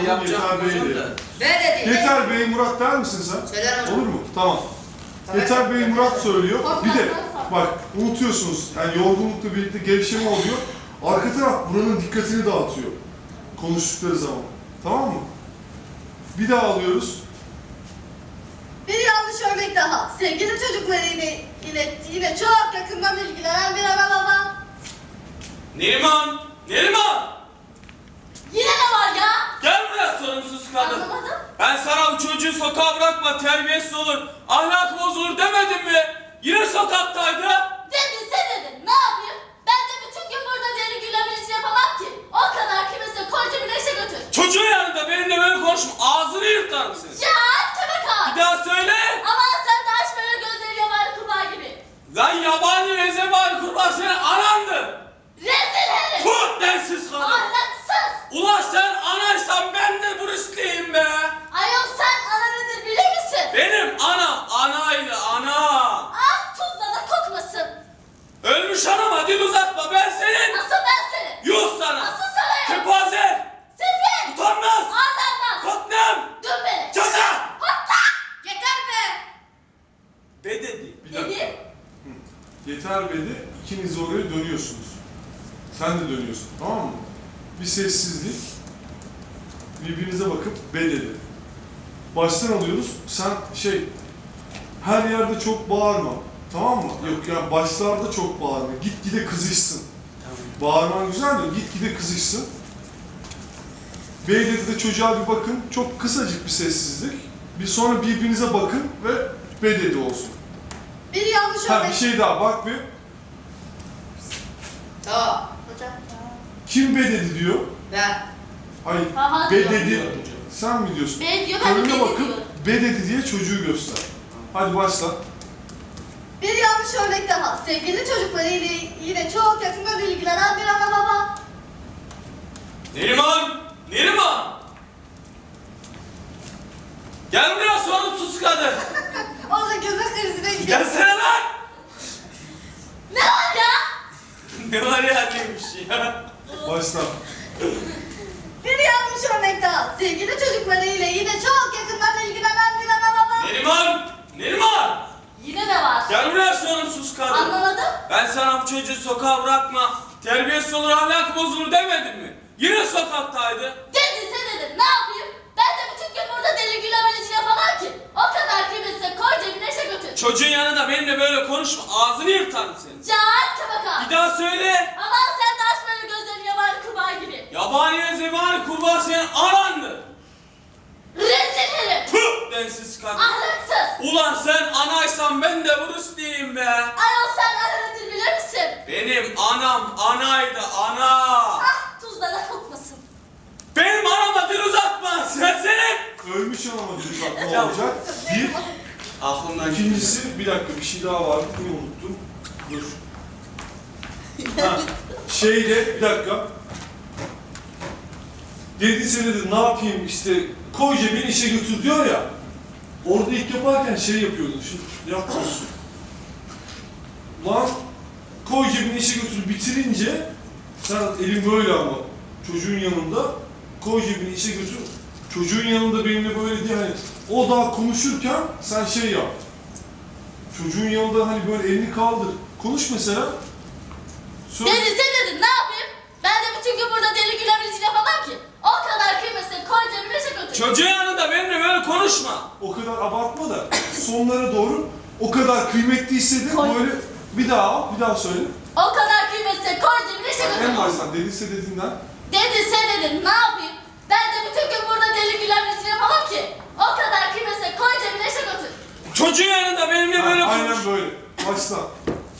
Yeter Bey de. Ne dedi? Yeter Bey Murat der misin sen? Söylerim hocam. Olur mu? Tamam. Tabii. Yeter Bey Murat söylüyor. Bir de bak unutuyorsunuz. Yani yorgunlukla birlikte gevşeme oluyor. Arka taraf buranın dikkatini dağıtıyor. Konuştukları zaman. Tamam mı? Bir daha alıyoruz. Bir yanlış örnek daha. Sevgili çocukları yine çok yakından ilgilenen bir ana baba. Neriman! Neriman! Yine ne var ya? Gel buraya sorumsuz kadın. Anlamadım. Ben sana bu çocuğu sokağa bırakma, terbiyesiz olur, ahlak bozulur demedim mi? Yine sokaktaydı. Dedin sen dedin. Ne yapayım? Ben de bütün gün burada deli gülemeyici yapamam ki. O kadar kimse koca bir neşe götür. Çocuğun yanında benimle böyle konuşma, ağzını yırtar mısın? Ya köpek ağa. Bir daha söyle. Aman sen de aç böyle gözleri yaban kurbağa gibi. Lan yabani ve zebani kurban senin anandı. Rezil herif. Tut densiz kadın. Ahlaksız. Ulan sen anaysan ben de Bruce'liyim be. Ayol sen ana nedir bilir misin? Benim anam anaydı ana. Ah tuzla da kokmasın. Ölmüş anama dil uzatma ben senin. Nasıl ben senin? Yuh sana. Nasıl sana ya? Kepaze. Sefil. Utanmaz. Arlanmaz. Katnem. Dön beni. Caca. Yeter be. Be dedi. Bir dakika. Dedim. Yeter Bey'de ikiniz oraya dönüyorsunuz. Sen de dönüyorsun. Tamam mı? Bir sessizlik. Birbirinize bakıp be dedi. Baştan alıyoruz. Sen her yerde çok bağırma. Tamam mı? Yok ya başlarda çok bağırma. Gitgide kızışsın. Bağırman güzel de gitgide kızışsın. Bey dedi de çocuğa bir bakın. Çok kısacık bir sessizlik. Bir sonra birbirinize bakın ve be dedi olsun. Bir yanlış Ha örnek. bir şey daha bak bir. Tamam. Hocam. Kim be dedi diyor. Ben. Hayır. Ha, Be diyor. dedi. Sen mi diyorsun? Be diyor ben de Karına be bakıp diyorum. be dedi diye çocuğu göster. Hadi başla. Bir yanlış örnek daha. Sevgili çocukları yine çok yakından ilgilenen bir ana baba. Neriman! Neriman! Gel buraya sorumsuz kadın. Orada gülme krizine gidiyor. Gelsene lan! Ne var ya? Ne var ya neymiş ya? Başla. Bir yanlış örnek daha. Sevgili çocukları yine çok yakından ilgilenen bir ana baba. Neriman! Neriman! Yine ne var? Gel buraya sorumsuz kadın. Anlamadım. Ben sana bu çocuğu sokağa bırakma, terbiyesiz olur, ahlak bozulur demedim mi? Yine sokaktaydı. Dedin sen dedin. Ne yapayım? Ben de bütün gün burada deli gülemelici yapamam ki. O kadar kıymetse koy cebine işe götür. Çocuğun yanında benimle böyle konuşma, ağzını yırtarım senin. Can köpek ağa. Bir daha söyle. Aman sen de aç böyle gözlerini yaban kurbağa gibi. Yabani ve zebani kurban senin anandı. Rezil herif. Tüh densiz kadın. Ahlaksız. Ulan sen anaysan ben de Bruce diyeyim be. Ayol sen ana nedir bilir misin? Benim anam anaydı ana. Ah tuzla da kokmasın. Benim anama dil uzatma sen senin. Ölmüş ama çocuk ne Ya. olacak? Bir. Aklımdan İkincisi bir dakika bir şey daha vardı. Bunu unuttum. Dur. Ha, bir dakika. Dediyse dedi ne yapayım işte koy cebine işe götür diyor ya. Orada ilk yaparken yapıyordun. Şimdi yapmıyorsun. Lan koy cebine işe götür bitirince sen elin böyle ama çocuğun yanında koy cebine işe götür. Çocuğun yanında benimle böyle diye hani o daha konuşurken sen yap. Çocuğun yanında hani böyle elini kaldır. Konuş mesela. Söyle. Dedin sen dedin ne yapayım? Ben de bütün gün burada deli gülemelici yapamam ki. O kadar kıymetse koy cebine işe götür. Çocuğun yanında benimle böyle konuşma. O kadar abartma da sonlara doğru o kadar kıymetli hissedin Koy. böyle bir daha al, bir daha söyle. O kadar kıymetse koy cebine işe götür. En baştan dediyse dediğinden. Dedin sen dedin ne yapayım? Ben de bütün gün burada deli gülemelici yapamam ki. O kadar kıymetse koy cebine işe götür. Çocuğun yanında benimle böyle konuş. Aynen böyle. Başla.